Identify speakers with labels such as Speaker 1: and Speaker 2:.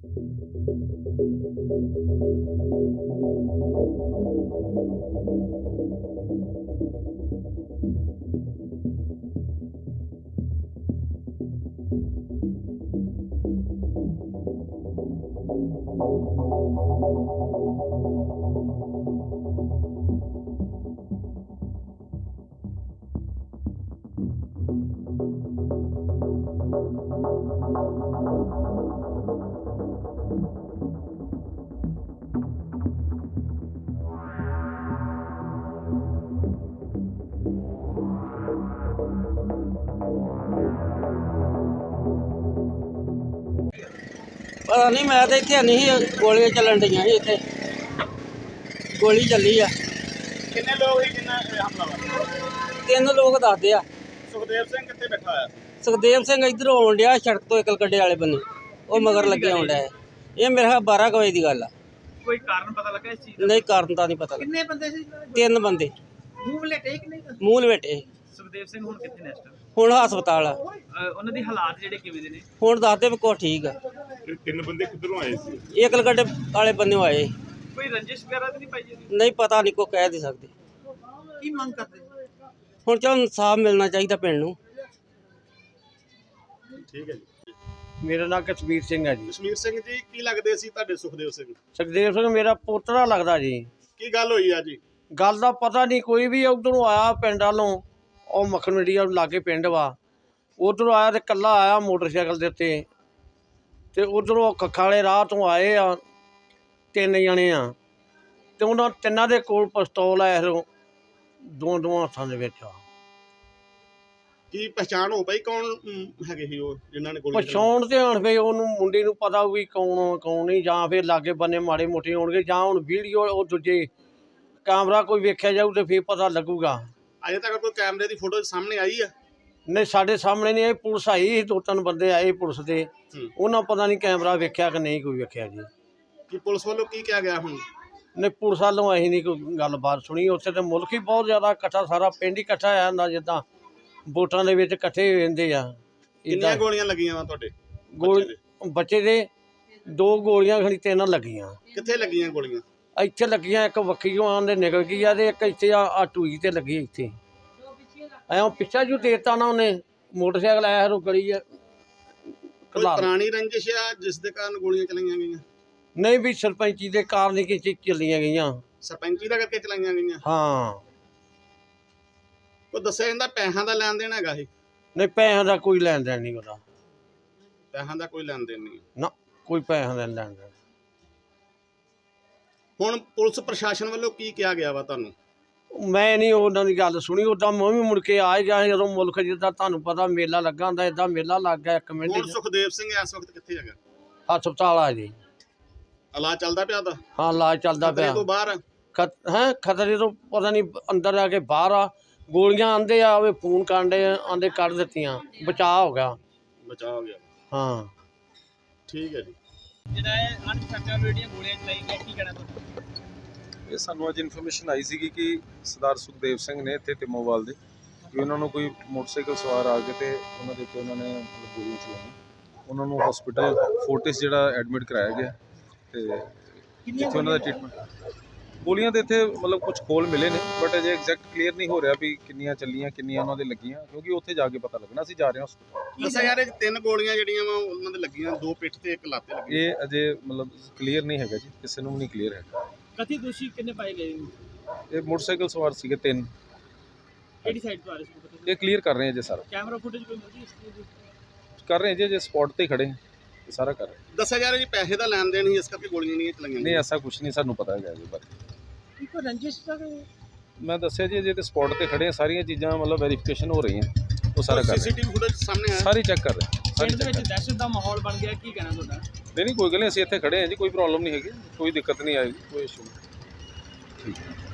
Speaker 1: पता नहीं, मैं तो इत्थे नहीं सी, गोलियां चलन डी सी इत्थे, गोली चली आ।
Speaker 2: किन्ने लोग ही किन्ना हमलावर?
Speaker 1: 3 लोग दसदे आ।
Speaker 2: सुखदेव सिंह कित्थे बैठा होया?
Speaker 1: सुखदेव सिंह इधर आउण डिया सड़क तो इकल गड्डे वाले बन्ने, वो मगर लगे आउण डिया। ये मेरे ख्याल 12 बजे की गल आ।
Speaker 2: कोई कारण पता लगा इस चीज का?
Speaker 1: नहीं, कारण तो नहीं पता।
Speaker 2: किन्ने बंदे सी?
Speaker 1: 3 बंदे
Speaker 2: मूंह लपेटे कि नहीं?
Speaker 1: मूंह लपेटे।
Speaker 2: ਸੁਖਦੇਵ ਸਿੰਘ ਹੁਣ ਕਿੱਥੇ ਨੇ ਇਸ ਟਾਈਮ?
Speaker 1: ਹੁਣ ਹਸਪਤਾਲ ਆ।
Speaker 2: ਉਹਨਾਂ ਦੀ ਹਾਲਾਤ ਜਿਹੜੇ ਕਿਵੇਂ ਦੇ ਨੇ?
Speaker 1: ਹੁਣ ਦੱਸਦੇ ਵੀ ਕੁਛ ਠੀਕ ਆ।
Speaker 3: 3 ਬੰਦੇ ਕਿੱਧਰੋਂ ਆਏ ਸੀ?
Speaker 1: ਇਕਲ ਗੱਡੇ ਵਾਲੇ ਬੰਨਿਓ ਆਏ।
Speaker 2: ਕੋਈ ਰੰਜਿਸ਼ ਵਗੈਰਾ ਤਾਂ ਨਹੀਂ ਪਾਈ ਜੀ?
Speaker 1: ਨਹੀਂ, ਪਤਾ ਨਹੀਂ, ਕੋਈ ਕਹਿ ਨਹੀਂ ਸਕਦੇ।
Speaker 2: ਕੀ ਮੰਗ ਕਰਦੇ?
Speaker 1: ਹੁਣ ਚਲ ਇਨਸਾਫ ਮਿਲਣਾ ਚਾਹੀਦਾ ਪਿੰਡ ਨੂੰ।
Speaker 3: ਠੀਕ ਹੈ ਜੀ।
Speaker 4: ਮੇਰਾ ਨਾਮ ਕਸ਼ਮੀਰ ਸਿੰਘ ਹੈ ਜੀ।
Speaker 3: ਕਸ਼ਮੀਰ ਸਿੰਘ ਜੀ, ਕੀ ਲੱਗਦੇ ਸੀ ਤੁਹਾਡੇ ਸੁਖਦੇਵ ਸਿੰਘ?
Speaker 4: ਸੁਖਦੇਵ ਸਿੰਘ ਮੇਰਾ ਪੋਤਰਾ ਲੱਗਦਾ ਜੀ।
Speaker 3: ਕੀ ਗੱਲ ਹੋਈ ਆ ਜੀ?
Speaker 4: ਗੱਲ ਦਾ ਪਤਾ ਨਹੀਂ, ਕੋਈ ਵੀ ਉਧਰੋਂ ਆਇਆ ਪਿੰਡ ਵੱਲੋਂ, ਉਹ ਮੱਖਣ ਮੰਡੀ ਲਾਗੇ ਪਿੰਡ ਵਾ, ਉਧਰੋਂ ਆਇਆ ਤੇ ਇਕੱਲਾ ਆਇਆ ਮੋਟਰਸਾਈਕਲ ਦੇ ਉੱਤੇ, ਤੇ ਉਧਰੋਂ ਕੱਖਾਂ ਵਾਲੇ ਰਾਹ ਤੋਂ ਆਏ ਆ 3 ਜਣੇ ਆ, ਤੇ ਉਹਨਾਂ ਤਿੰਨਾਂ ਦੇ ਕੋਲ ਪਿਸਤੌਲ ਆ, ਦੋ ਹੱਥਾਂ ਦੇ ਵਿੱਚ ਆ।
Speaker 3: ਕੀ ਪਛਾਣ ਹੋ ਪਈ ਕੌਣ ਹੈਗੇ ਸੀ ਉਹ ਜਿਨ੍ਹਾਂ ਨੇ ਗੋਲੀ
Speaker 4: ਪਛਾਣ ਤੇ ਹੁਣ ਫਿਰ ਉਹਨੂੰ ਮੁੰਡੇ ਨੂੰ ਪਤਾ ਵੀ ਕੌਣ ਕੌਣ ਨਹੀਂ, ਜਾਂ ਫਿਰ ਲਾਗੇ ਬੰਨੇ ਮਾੜੇ ਮੋਟੇ ਹੋਣਗੇ, ਜਾਂ ਹੁਣ ਵੀਡੀਓ ਉਹ ਦੂਜੇ ਕੈਮਰਾ ਕੋਈ ਵੇਖਿਆ ਜਾਊ ਤੇ ਫਿਰ ਪਤਾ ਲੱਗੂਗਾ।
Speaker 3: ਅਜੇ ਤੱਕ ਕੋਈ ਕੈਮਰੇ ਦੀ ਫੋਟੋ ਸਾਹਮਣੇ ਆਈ ਆ?
Speaker 4: ਨਹੀਂ, ਸਾਡੇ ਸਾਹਮਣੇ ਨਹੀਂ ਆਈ। ਪੁਲਿਸ ਆਈ ਸੀ, 2-3 ਬੰਦੇ ਆਏ ਪੁਲਿਸ ਦੇ, ਉਹਨਾਂ ਪਤਾ ਨਹੀਂ ਕੈਮਰਾ ਵੇਖਿਆ ਕਿ ਨਹੀਂ ਕੋਈ ਵੇਖਿਆ ਜੀ।
Speaker 3: ਕਿ ਪੁਲਿਸ ਵੱਲੋਂ ਕੀ ਕਿਹਾ ਗਿਆ ਹੁਣ?
Speaker 4: ਨਹੀਂ, ਪੁਲਿਸ ਵੱਲੋਂ ਅਸੀਂ ਨਹੀਂ ਕੋਈ ਗੱਲਬਾਤ ਸੁਣੀ। ਉੱਥੇ ਤੇ ਮੁਲਕ ਹੀ ਬਹੁਤ ਜ਼ਿਆਦਾ ਇਕੱਠਾ, ਸਾਰਾ ਪਿੰਡ ਹੀ ਇਕੱਠਾ ਹੋਇਆ ਹੁੰਦਾ, ਜਿੱਦਾਂ ਵੋਟਾਂ ਦੇ ਵਿੱਚ ਇਕੱਠੇ ਹੋ ਜਾਂਦੇ ਆ।
Speaker 3: ਕਿੰਨੀਆਂ ਗੋਲੀਆਂ ਲੱਗੀਆਂ ਵਾ ਤੁਹਾਡੇ
Speaker 4: ਬੱਚੇ ਦੇ 2 ਗੋਲੀਆਂ ਖਣੀ 3 ਲੱਗੀਆਂ।
Speaker 3: ਕਿੱਥੇ ਲੱਗੀਆਂ ਗੋਲੀਆਂ?
Speaker 4: ਇੱਥੇ ਲੱਗੀਆਂ, ਇੱਕ ਵੱਖੀਓਂ ਆਂਦੇ ਨਿਕਲ ਗਈ ਆ, ਤੇ ਇੱਕ ਇੱਥੇ ਆ ਟੂਈ ਤੇ ਲੱਗੀ ਇੱਥੇ। ਐਂ ਪਿੱਛਾ ਜੂ ਦੇਤਾ ਨਾ ਉਹਨੇ, ਮੋਟਰਸਾਈਕਲ ਆਇਆ ਰੋ ਗਲੀ ਆ।
Speaker 3: ਕੋਈ ਪੁਰਾਣੀ ਰੰਜਿਸ਼ ਆ ਜਿਸ ਦੇ ਕਾਰਨ ਗੋਲੀਆਂ ਚਲਾਈਆਂ ਗਈਆਂ?
Speaker 4: ਨਹੀਂ, ਵੀ ਸਰਪੰਚੀ ਦੇ ਕਾਰਨ ਹੀ ਚੱਲੀਆਂ ਗਈਆਂ।
Speaker 3: ਸਰਪੰਚੀ ਦਾ ਕਰਕੇ ਚਲਾਈਆਂ ਗਈਆਂ?
Speaker 4: ਹਾਂ।
Speaker 3: ਉਹ ਦੱਸਿਆ ਜਾਂਦਾ ਪੈਸਿਆਂ ਦਾ ਲੈਣ ਦੇਣ ਹੈਗਾ ਇਹ?
Speaker 4: ਨਹੀਂ, ਪੈਸਿਆਂ ਦਾ ਕੋਈ ਲੈਣ ਦੇਣ ਨਹੀਂ ਉਹਦਾ।
Speaker 3: ਪੈਸਿਆਂ ਦਾ ਕੋਈ ਲੈਣ ਦੇਣ ਨਹੀਂ
Speaker 4: ਨਾ, ਕੋਈ ਪੈਸਿਆਂ ਦਾ ਲੈਣ ਦੇਣ।
Speaker 3: ਹੁਣ ਪੁਲਿਸ ਪ੍ਰਸ਼ਾਸਨ ਵੱਲੋਂ ਕੀ ਕਿਹਾ ਗਿਆ ਵਾ ਤੁਹਾਨੂੰ?
Speaker 4: ਮੈਂ ਨਹੀਂ ਉਹਨਾਂ ਦੀ ਗੱਲ ਸੁਣੀ। ਉੱਦਾਂ ਮੈਂ ਵੀ ਮੁੜ ਕੇ ਆ ਗਿਆ ਜਦੋਂ ਮੁਲਕ ਜਿੱਦਾਂ ਤੁਹਾਨੂੰ ਪਤਾ ਮੇਲਾ ਲੱਗਾ ਹੁੰਦਾ, ਏਦਾਂ ਮੇਲਾ ਲੱਗ ਗਿਆ 1 ਮਿੰਟ।
Speaker 3: ਹੁਣ ਸੁਖਦੇਵ ਸਿੰਘ ਇਸ ਵਕਤ ਕਿੱਥੇ ਹੈਗਾ?
Speaker 4: ਹਸਪਤਾਲ ਆ ਜੀ।
Speaker 3: ਇਲਾਜ ਚੱਲਦਾ ਪਿਆ ਉਹਦਾ?
Speaker 4: ਹਾਂ, ਇਲਾਜ ਚੱਲਦਾ
Speaker 3: ਖਤਰੇ
Speaker 4: ਪਿਆ।
Speaker 3: ਤੋਂ ਬਾਹਰ ਆ?
Speaker 4: ਖਤਰੇ ਤੋਂ ਪਤਾ ਨਹੀਂ, ਅੰਦਰ ਆ ਕੇ ਬਾਹਰ ਆ। ਗੋਲੀਆਂ ਆਂਦੇ ਆ, ਉਹ ਫੋਨ ਕਾਂਡੇ ਆਂਦੇ ਕੱਢ ਦਿੱਤੀਆਂ, ਬਚਾਅ ਹੋ ਗਿਆ।
Speaker 3: ਬਚਾਅ ਹੋ ਗਿਆ?
Speaker 4: ਹਾਂ।
Speaker 3: ਠੀਕ ਹੈ ਜੀ।
Speaker 2: ਜਿਹੜਾ ਇਹ ਅਣਪਛਾਤੇ ਜਿਹੜੀਆਂ ਗੋਲੀਆਂ ਚਲਾਈ ਗਈਆਂ, ਕੀ ਕਹਿਣਾ ਤੁਹਾਡਾ?
Speaker 5: ਇਹ ਸਾਨੂੰ ਅੱਜ ਇਨਫੋਰਮੇਸ਼ਨ ਆਈ ਸੀਗੀ ਕਿ ਸਰਦਾਰ ਸੁਖਦੇਵ ਸਿੰਘ ਨੇ ਇੱਥੇ ਟਿਮੋਵਾਲ ਦੇ, ਕਿ ਉਹਨਾਂ ਨੂੰ ਕੋਈ ਮੋਟਰਸਾਈਕਲ ਸਵਾਰ ਆ ਕੇ ਤੇ ਉਹਨਾਂ ਦੇ ਉੱਤੇ ਉਹਨਾਂ ਨੇ ਗੋਲੀਆਂ ਚਲਾਈਆਂ। ਉਹਨਾਂ ਨੂੰ ਹਸਪੀਟਲ ਫੋਰਟਿਸ ਜਿਹੜਾ ਐਡਮਿਟ ਕਰਾਇਆ ਗਿਆ, ਤੇ ਜਿੱਥੇ ਉਹਨਾਂ ਦਾ ਟ੍ਰੀਟਮੈਂਟ। ਗੋਲੀਆਂ ਦੇ ਇੱਥੇ ਮਤਲਬ ਕੁਝ ਖੋਲ ਮਿਲੇ ਨੇ, ਬਟ ਅਜੇ ਐਗਜ਼ੈਕਟ ਕਲੀਅਰ ਨਹੀਂ ਹੋ ਰਿਹਾ ਵੀ ਕਿੰਨੀਆਂ ਚੱਲੀਆਂ, ਕਿੰਨੀਆਂ ਉਹਨਾਂ ਦੇ ਲੱਗੀਆਂ, ਕਿਉਂਕਿ ਉੱਥੇ ਜਾ ਕੇ ਪਤਾ ਲੱਗਣਾ। ਅਸੀਂ ਜਾ ਰਹੇ ਹਾਂ ਹਸਪਤਾਲ।
Speaker 3: ਦੱਸਿਆ ਯਾਰ, ਇਹ 3 ਗੋਲੀਆਂ ਜਿਹੜੀਆਂ ਵਾ ਉਹਨਾਂ ਦੇ ਲੱਗੀਆਂ, 2 ਪਿੱਠ ਤੇ 1 ਲੱਤ ਤੇ ਲੱਗੀ।
Speaker 5: ਇਹ ਅਜੇ ਮਤਲਬ ਕਲੀਅਰ ਨਹੀਂ ਹੈਗਾ ਜੀ, ਕਿਸੇ ਨੂੰ ਵੀ ਨਹੀਂ ਕਲੀਅਰ ਹੈਗਾ।
Speaker 2: ਕਥਿਤ ਦੋਸ਼ੀ ਕਿੰਨੇ ਪਾਏ ਗਏ?
Speaker 5: ਇਹ ਮੋਟਰਸਾਈਕਲ ਸਵਾਰ ਸੀਗੇ 3।
Speaker 2: ਕਿਹੜੀ ਸਾਈਡ ਤੋਂ ਆ ਰਹੇ ਸੀ?
Speaker 5: ਇਹ ਕਲੀਅਰ ਕਰ ਰਹੇ ਹਾਂ ਜੀ ਸਾਰਾ।
Speaker 2: ਕੈਮਰਾ ਫੁਟੇਜ ਕੋਈ ਮਿਲਦੀ ਇਸ ਚੀਜ਼ ਦੀ?
Speaker 5: ਕਰ ਰਹੇ ਹਾਂ ਜੀ, ਸਪੌਟ ਤੇ ਖੜੇ ਹਾਂ, ਇਹ ਸਾਰਾ ਕਰ ਰਹੇ ਹਾਂ।
Speaker 3: ਦੱਸਿਆ ਯਾਰ, ਜੀ ਪੈਸੇ ਦਾ ਲੈਣ ਦੇਣ ਹੀ ਇਸ ਕਰਕੇ ਗੋਲੀਆਂ ਨਹੀਂ ਚਲਾਈਆਂ?
Speaker 5: ਨਹੀਂ, ਐਸਾ ਕੁਝ ਨਹੀਂ ਸਾਨੂੰ ਪਤਾ ਹੈਗਾ ਜੀ ਬਾਰੇ।
Speaker 2: ਕੋਈ ਰੰਜਿਸ਼ ਦਾ?
Speaker 5: ਮੈਂ ਦੱਸਿਆ ਜੀ, ਜੇ ਤੇ ਸਪੌਟ ਤੇ ਖੜੇ ਆ, ਸਾਰੀਆਂ ਚੀਜ਼ਾਂ ਮਤਲਬ ਵੈਰੀਫਿਕੇਸ਼ਨ ਹੋ ਰਹੀਆਂ, ਉਹ ਸਾਰਾ ਕਰ ਰਹੇ
Speaker 3: ਸੀਸੀਟੀਵੀ ਫੁਟੇਜ ਸਾਹਮਣੇ ਆਇਆ?
Speaker 5: ਸਾਰੀ ਚੈੱਕ ਕਰ ਰਹੇ।
Speaker 2: ਪਿੰਡ ਦੇ ਵਿੱਚ ਦਹਿਸ਼ਤ ਦਾ ਮਾਹੌਲ ਬਣ ਗਿਆ, ਕੀ ਕਹਿਣਾ ਤੁਹਾਡਾ?
Speaker 5: ਨਹੀਂ, ਕੋਈ ਗੱਲ ਨਹੀਂ, ਅਸੀਂ ਇੱਥੇ ਖੜੇ ਹਾਂ ਜੀ, ਕੋਈ ਪ੍ਰੋਬਲਮ ਨਹੀਂ ਹੈਗੀ, ਕੋਈ ਦਿੱਕਤ ਨਹੀਂ ਆਏਗੀ, ਕੋਈ ਇਸ਼ੂ ਨਹੀਂ। ਠੀਕ ਹੈ।